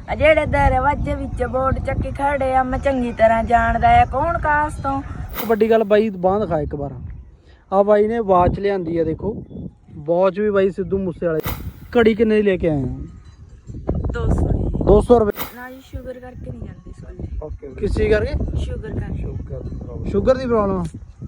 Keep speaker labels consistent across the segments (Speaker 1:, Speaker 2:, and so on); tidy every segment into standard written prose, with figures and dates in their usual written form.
Speaker 1: ਜਿਹੜੇ ਦਰਵਾਜ਼ੇ ਵਿੱਚ ਬੋਰਡ ਚੱਕੀ ਖੜੇ ਆ ਮੈਂ ਚੰਗੀ ਤਰ੍ਹਾਂ ਜਾਣਦਾ ਆ ਕੌਣ ਕਾਸ ਤੋਂ।
Speaker 2: ਵੱਡੀ ਗੱਲ ਬਾਈ ਬਾਂਹ ਦਿਖਾ ਇੱਕ ਵਾਰ। ਆ ਬਾਈ ਨੇ ਵਾਚ ਲਿਆਂਦੀ ਆ, ਦੇਖੋ ਵਾਚ ਵੀ ਬਾਈ ਸਿੱਧੂ ਮੂਸੇ ਵਾਲੇ। ਘੜੀ ਕਿੰਨੇ ਦੀ ਲੈ ਕੇ ਆਏ ਆ? 200 ਰੁਪਏ
Speaker 1: ਨਾ ਜੀ, ਸ਼ੂਗਰ ਕਰਕੇ ਨਹੀਂ ਜਾਂਦੀ ਸਕੂਲੇ।
Speaker 2: ਕਿਸ ਚੀਜ਼ ਕਰਕੇ?
Speaker 1: ਸ਼ੂਗਰ ਕਰਕੇ।
Speaker 2: ਸ਼ੂਗਰ ਦੀ ਪ੍ਰੋਬਲਮ?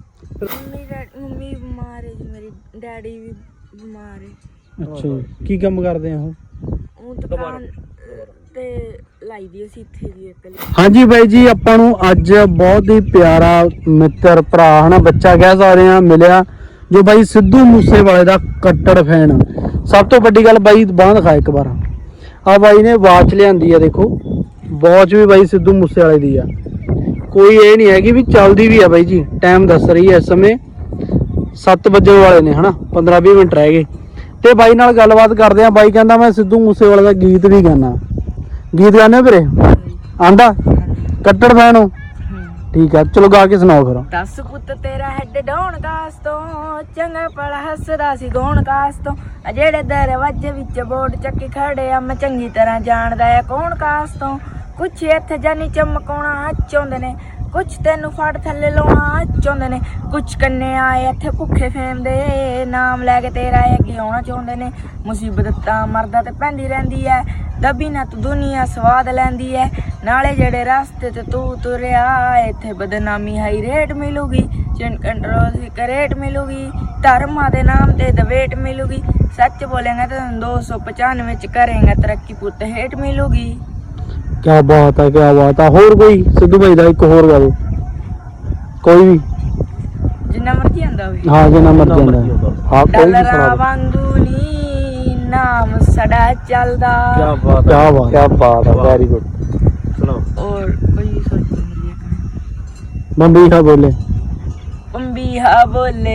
Speaker 1: ਮੰਮੀ ਬਿਮਾਰ ਹੈ ਜੀ, ਮੇਰੀ ਡੈਡੀ ਵੀ ਬਿਮਾਰ ਹੈ।
Speaker 2: ਅੱਛਾ ਜੀ, ਕੀ ਕੰਮ ਕਰਦੇ ਆ
Speaker 1: ਉਹ ਦੁਕਾਨ ਤੇ ਲਾਈ ਦੀ ਅਸੀਂ ਇੱਥੇ ਜੀ ਇੱਕ।
Speaker 2: ਹਾਂਜੀ ਬਾਈ ਜੀ, ਆਪਾਂ ਨੂੰ ਅੱਜ ਬਹੁਤ ਹੀ ਪਿਆਰਾ ਮਿੱਤਰ ਭਰਾ ਹਨਾ, ਬੱਚਾ ਕਹਿ ਸਕਦੇ ਆ, ਮਿਲਿਆ ਜੋ ਬਾਈ ਸਿੱਧੂ ਮੂਸੇ ਵਾਲੇ ਦਾ ਕੱਟੜ ਫੈਨ। ਸਭ ਤੋਂ ਵੱਡੀ ਗੱਲ ਬਾਈ ਬਾਂਹ ਦਿਖਾ ਇੱਕ ਵਾਰ। ਆ ਬਾਈ ਨੇ ਵਾਚ ਲਿਆਂਦੀ ਆ, ਦੇਖੋ ਵਾਚ ਵੀ ਬਾਈ ਸਿੱਧੂ ਮੂਸੇ ਵਾਲੇ ਦੀ ਆ। ਕੋਈ ਇਹ ਨਹੀਂ ਹੈਗੀ ਵੀ ਚੱਲਦੀ ਵੀ ਆ ਬਾਈ ਜੀ। ਟਾਈਮ ਦੱਸ ਰਹੀ ਹੈ ਇਸ ਸਮੇਂ 7 ਵਜੇ ਵਾਲੇ ਨੇ ਹਨਾ, 15-20 ਮਿੰਟ ਰਹਿ ਗਏ। ਤੇ ਬਾਈ ਨਾਲ ਗੱਲਬਾਤ ਕਰਦੇ ਆ। ਬਾਈ ਕਹਿੰਦਾ ਮੈਂ ਸਿੱਧੂ ਮੂਸੇ ਵਾਲੇ ਦਾ ਗੀਤ ਵੀ ਗਾਣਾ। ਗੀਤ ਗਾਣੇ ਵੀਰੇ? ਆਂਦਾ? ਕੱਟੜ ਫੈਨ ਹੋ? ਠੀਕ ਆ, ਚਲੋ ਗਾ ਕੇ ਸੁਣਾਓ ਫਿਰ।
Speaker 1: 10 ਪੁੱਤ ਤੇਰਾ ਹੈਡ ਡਾਉਣ ਕਾਸ ਤੋਂ, ਚੰਗਾ ਭਲਾ ਹੱਸਦਾ ਸੀ ਗਾਉਣ ਕਾਸ ਤੋਂ। ਜਿਹੜੇ ਦਰਵਾਜ਼ੇ ਵਿੱਚ ਬੋਰਡ ਚੱਕੀ ਖੜੇ ਆ ਮੈਂ ਚੰਗੀ ਤਰ੍ਹਾਂ ਜਾਣਦਾ ਆ ਕੌਣ ਕਾਸ ਤੋਂ। ਕੁਛ ਇੱਥੇ ਜਾਨੀ ਚਮਕਾਉਣਾ ਚਾਹੁੰਦੇ ਨੇ, ਕੁਛ ਤੈਨੂੰ ਫੜ ਥੱਲੇ ਲਾਉਣਾ ਚਾਹੁੰਦੇ ਨੇ, ਕੁਛ ਕੰਨੇ ਆਏ ਇੱਥੇ ਭੁੱਖੇ ਫੇਮ ਦੇ ਨਾਮ ਲੈ ਕੇ ਤੇਰਾ ਅੱਗੇ ਆਉਣਾ ਚਾਹੁੰਦੇ ਨੇ। ਮੁਸੀਬਤ ਤਾਂ ਮਰਦਾ ਤੇ ਪੈਂਦੀ ਰਹਿੰਦੀ ਐ, ਦੱਬੀ ਨਾ ਤੂੰ ਦੁਨੀਆ ਸਵਾਦ ਲੈਂਦੀ ਐ। ਨਾਲੇ ਜਿਹੜੇ ਰਸਤੇ ਤੇ ਤੂੰ ਤੁਰਿਆ ਇੱਥੇ ਬਦਨਾਮੀ ਹਾਈ ਰੇਟ ਮਿਲੂਗੀ, ਚਿੰਨ ਕੰਟਰੋਲ ਦੀ ਕਰੇਟ ਮਿਲੂਗੀ, ਧਰਮਾਂ ਦੇ ਨਾਮ ਤੇ ਦਵੇਟ ਮਿਲੂਗੀ। ਸੱਚ ਬੋਲੇਗਾ ਤਾਂ 295 ਵਿੱਚ ਕਰੇਗਾ ਤਰੱਕੀ ਪੁੱਤ ਹੇਟ ਮਿਲੂਗੀ।
Speaker 2: ਕਿਆ ਬਾਤ ਹੈ, ਕਿਆ ਬਾਤ ਹੈ। ਹੋਰ ਕੋਈ ਸਿੱਧੂ ਭਾਈ ਦਾ ਇੱਕ ਹੋਰ ਗਾ ਦੋ, ਕੋਈ ਵੀ
Speaker 1: ਜਿੰਨਾ ਮਰਜ਼ੀ ਆਂਦਾ ਹੋਵੇ।
Speaker 2: ਹਾਂ ਜਿੰਨਾ ਮਰਜ਼ੀ ਆਂਦਾ। ਹਾਂ ਕੋਈ ਵੀ ਸੁਣਾ
Speaker 1: ਡਾਲਰਾਂ ਵਾਂਗੂ ਨੀ ਨਾਮ ਸਾਡਾ ਚੱਲਦਾ।
Speaker 2: ਕਿਆ ਬਾਤ, ਕਿਆ ਬਾਤ, ਕਿਆ ਬਾਤ ਹੈ, ਵੈਰੀ ਗੁੱਡ। ਸੁਣਾਓ।
Speaker 1: ਔਰ ਕੋਈ ਸੋਚ ਨਹੀਂ
Speaker 2: ਬੰਬੀਹਾ ਬੋਲੇ,
Speaker 1: ਪੰਬੀਹਾ ਬੋਲੇ,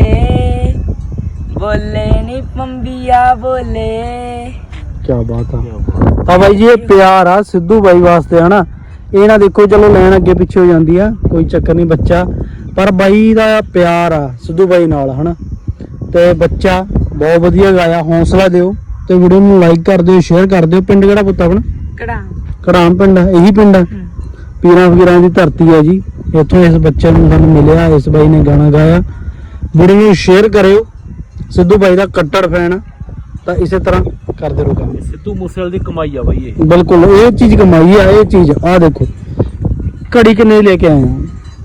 Speaker 1: ਬੋਲੇ ਨੀ ਪੰਬੀਹਾ ਬੋਲੇ।
Speaker 2: ਕਿਆ ਬਾਤ ਆ। ਤਾਂ ਬਾਈ ਜੀ ਇਹ ਪਿਆਰ ਆ ਸਿੱਧੂ ਬਾਈ ਵਾਸਤੇ ਹਨਾ। ਇਹ ਨਾ ਦੇਖੋ ਚਲੋ ਲੈਣ ਅੱਗੇ ਪਿੱਛੇ ਹੋ ਜਾਂਦੀ ਆ, ਕੋਈ ਚੱਕਰ ਨਹੀਂ ਬੱਚਾ, ਪਰ ਬਾਈ ਦਾ ਪਿਆਰ ਆ ਸਿੱਧੂ ਬਾਈ ਨਾਲ ਹਨਾ। ਤੇ ਬੱਚਾ ਬਹੁਤ ਵਧੀਆ ਗਾਇਆ, ਹੌਸਲਾ ਦਿਓ ਤੇ ਵੀਡੀਓ ਨੂੰ ਲਾਈਕ ਕਰ ਦਿਓ, ਸ਼ੇਅਰ ਕਰ ਦਿਓ। ਪਿੰਡ ਕਿਹੜਾ ਪੁੱਤ ਆਪਣਾ? ਕੜਾਮ ਪਿੰਡ ਆ। ਇਹੀ ਪਿੰਡ ਆ, ਪੀਰਾਂ ਫਕੀਰਾਂ ਦੀ ਧਰਤੀ ਆ ਜੀ। ਇੱਥੋਂ ਇਸ ਬੱਚੇ ਨੂੰ ਸਾਨੂੰ ਮਿਲਿਆ, ਇਸ ਬਾਈ ਨੇ ਗਾਣਾ ਗਾਇਆ। ਵੀਡੀਓ ਨੂੰ ਸ਼ੇਅਰ ਕਰਿਓ। ਸਿੱਧੂ ਬਾਈ ਦਾ ਕੱਟੜ ਫੈਨ ਤਾਂ ਇਸੇ ਤਰ੍ਹਾਂ ਕਰਦੇ ਰਹੋ ਕੰਮ।
Speaker 3: ਸਿੱਧੂ ਮੂਸੇਵਾਲੇ ਦੀ ਕਮਾਈ ਆ ਬਾਈ ਇਹ।
Speaker 2: ਬਿਲਕੁਲ ਇਹ ਚੀਜ਼ ਕਮਾਈ ਆ। ਇਹ ਚੀਜ਼ ਆ ਦੇਖੋ, ਘੜੀ ਕਿੰਨੇ ਦੀ ਲੈ ਕੇ ਆਏ ਆ?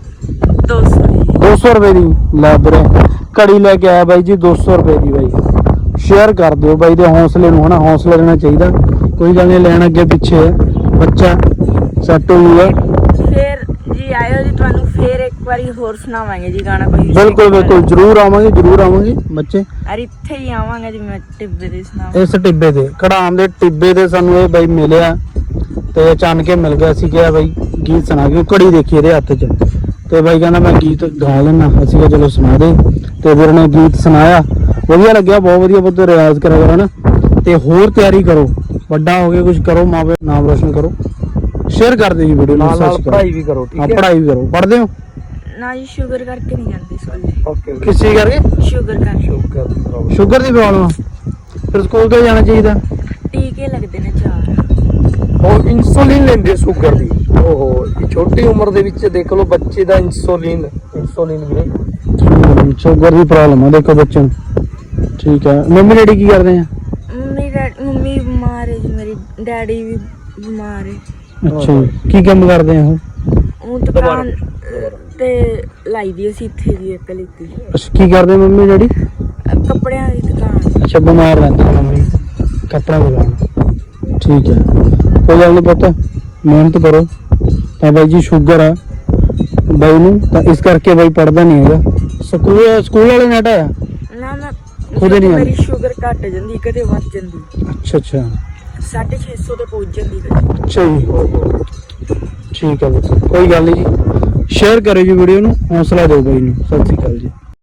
Speaker 2: 200 ਰੁਪਏ ਦੀ। ਲੈ ਵੀਰੇ ਘੜੀ ਲੈ ਕੇ ਆਇਆ ਬਾਈ ਜੀ 200 ਰੁਪਏ ਦੀ। ਬਾਈ ਸ਼ੇਅਰ ਕਰ ਦਿਓ ਬਾਈ ਦੇ ਹੌਸਲੇ ਨੂੰ ਹਨਾ, ਹੌਸਲਾ ਦੇਣਾ ਚਾਹੀਦਾ। ਕੋਈ ਗੱਲ ਨਹੀਂ, ਲੈਣ ਅੱਗੇ ਪਿੱਛੇ ਹੈ, ਬੱਚਾ ਸੈੱਟ ਹੋ ਜੂਗਾ।
Speaker 1: ਫੇਰ ਜੀ ਆਇਓ ਜੀ, ਤੁਹਾਨੂੰ ਫੇਰ ਇੱਕ ਵਾਰੀ ਹੋਰ ਸੁਣਾਵਾਂਗੇ ਜੀ ਗਾਣਾ ਕੋਈ।
Speaker 2: ਬਿਲਕੁਲ ਬਿਲਕੁਲ, ਜਰੂਰ ਆਵਾਂਗੇ, ਜਰੂਰ ਆਵਾਂਗੇ ਬੱਚੇ।
Speaker 1: ਅਰ ਇੱਥੇ ਹੀ ਆਵਾਂਗੇ ਜੀ, ਮੈਂ ਟਿੱਬੇ ਦੇ ਸੁਣਾਵਾਂ।
Speaker 2: ਇਸ ਟਿੱਬੇ ਤੇ, ਕੜਾਮ ਦੇ ਟਿੱਬੇ ਤੇ ਸਾਨੂੰ ਇਹ ਬਾਈ ਮਿਲਿਆ ਤੇ ਅਚਾਨਕ ਹੀ ਮਿਲ ਗਿਆ। ਅਸੀਂ ਕਿਹਾ ਬਾਈ ਗੀਤ ਸੁਣਾ ਕੇ, ਘੜੀ ਦੇਖੀ ਇਹਦੇ ਹੱਥ 'ਚ ਤੇ ਬਾਈ ਕਹਿੰਦਾ ਮੈਂ ਗੀਤ ਗਾ ਲੈਣਾ। ਅਸੀਂ ਕਿਹਾ ਚਲੋ ਸੁਣਾ ਦੇ ਤੇ ਵੀਰ ਨੇ ਗੀਤ ਸੁਣਾਇਆ, ਵਧੀਆ ਲੱਗਿਆ, ਬਹੁਤ ਵਧੀਆ। ਬਹੁਤ ਰਿਆਜ਼ ਕਰਿਆ ਕਰੋ ਨਾ, ਤੇ ਹੋਰ ਤਿਆਰੀ ਕਰੋ, ਵੱਡਾ ਹੋ ਕੇ ਕੁਝ ਕਰੋ, ਮਾਂ ਪਿਓ ਨਾਮ ਰੋਸ਼ਨ ਕਰੋ। ਸ਼ੇਅਰ ਕਰ ਦਿਓ ਜੀ ਵੀਡੀਓ ਨੂੰ,
Speaker 3: ਨਾਲ ਪੜ੍ਹਾਈ ਵੀ ਕਰੋ। ਠੀਕ ਹੈ,
Speaker 2: ਪੜ੍ਹਾਈ ਵੀ ਕਰੋ। ਪੜ੍ਹਦੇ ਹੋ?
Speaker 1: ਨਾ ਜੀ, ਸ਼ੂਗਰ ਕਰਕੇ ਨਹੀਂ ਜਾਂਦੀ ਸਕੂਲੇ।
Speaker 3: ਓਕੇ।
Speaker 2: ਕਿਸ ਚੀਜ਼ ਕਰਕੇ?
Speaker 1: ਸ਼ੂਗਰ ਕਰਕੇ।
Speaker 2: ਸ਼ੂਗਰ ਦੀ ਪ੍ਰੋਬਲਮ? ਫਿਰ ਸਕੂਲ ਕਿਉਂ ਜਾਣਾ ਚਾਹੀਦਾ?
Speaker 1: ਟੀਕੇ ਲੱਗਦੇ ਨੇ 4।
Speaker 3: ਉਹ ਇਨਸੂਲਿਨ ਲੈਂਦੇ ਸ਼ੂਗਰ ਦੀ। ਓਹੋ, ਛੋਟੀ ਉਮਰ ਦੇ ਵਿੱਚ ਦੇਖ ਲਓ ਬੱਚੇ ਦਾ ਇਨਸੂਲਿਨ ਵੀਰੇ।
Speaker 2: ਸ਼ੂਗਰ ਦੀ ਪ੍ਰੋਬਲਮ ਆ ਦੇਖੋ ਬੱਚੇ ਨੂੰ। ਠੀਕ ਹੈ। ਮੰਮੀ ਡੈਡੀ ਕੀ ਕਰਦੇ ਆ?
Speaker 1: ਮੰਮੀ ਬਿਮਾਰ ਹੈ ਜੀ, ਮੇਰੀ ਡੈਡੀ ਵੀ ਬਿਮਾਰ ਹੈ।
Speaker 2: ਅੱਛਾ ਜੀ, ਕੀ ਕੰਮ ਕਰਦੇ ਆ
Speaker 1: ਉਹ ਦੁਕਾਨ ਤੇ ਲਾਈ ਦੀ ਅਸੀਂ ਇੱਥੇ ਜੀ ਇੱਕ ਲਿੱਤੀ।
Speaker 2: ਅੱਛਾ, ਕੀ ਕਰਦੇ ਮੰਮੀ ਡੈਡੀ?
Speaker 1: ਕੱਪੜਿਆਂ ਦੀ ਦੁਕਾਨ।
Speaker 2: ਅੱਛਾ, ਬਿਮਾਰ ਰਹਿੰਦੇ ਆ ਮੰਮੀ, ਕੱਪੜਾ ਦੁਕਾਨ। ਠੀਕ ਹੈ, ਕੋਈ ਗੱਲ ਨਹੀਂ ਪੁੱਤ, ਮਿਹਨਤ ਕਰੋ। ਤਾਂ ਬਾਈ ਜੀ ਸ਼ੂਗਰ ਆ ਬਾਈ ਨੂੰ, ਤਾਂ ਇਸ ਕਰਕੇ ਬਾਈ ਪੜਦਾ ਨਹੀਂ ਹੈਗਾ। ਸਕੂਲ ਵਾਲੇ ਨੇ ਹਟਾਇਆ?
Speaker 1: ਨਾ ਮੈਂ
Speaker 2: ਖੁਦ ਨਹੀਂ
Speaker 1: ਮੇਰੀ ਸ਼ੂਗਰ ਘਟ ਜਾਂਦੀ, ਕਦੇ ਵੱਧ ਜਾਂਦੀ।
Speaker 2: ਅੱਛਾ ਅੱਛਾ,
Speaker 1: 650 ਤੇ ਪਹੁੰਚ ਜਾਂਦੀ ਕਦੇ।
Speaker 2: ਅੱਛਾ ਜੀ, ਠੀਕ ਹੈ ਪੁੱਤ, ਕੋਈ ਗੱਲ ਨਹੀਂ ਜੀ। ਸ਼ੇਅਰ ਕਰਿਓ ਜੀ ਵੀਡੀਓ ਨੂੰ, ਹੌਸਲਾ ਦਿਓ ਬਾਈ ਨੂੰ। ਸਤਿ ਸ਼੍ਰੀ ਅਕਾਲ ਜੀ।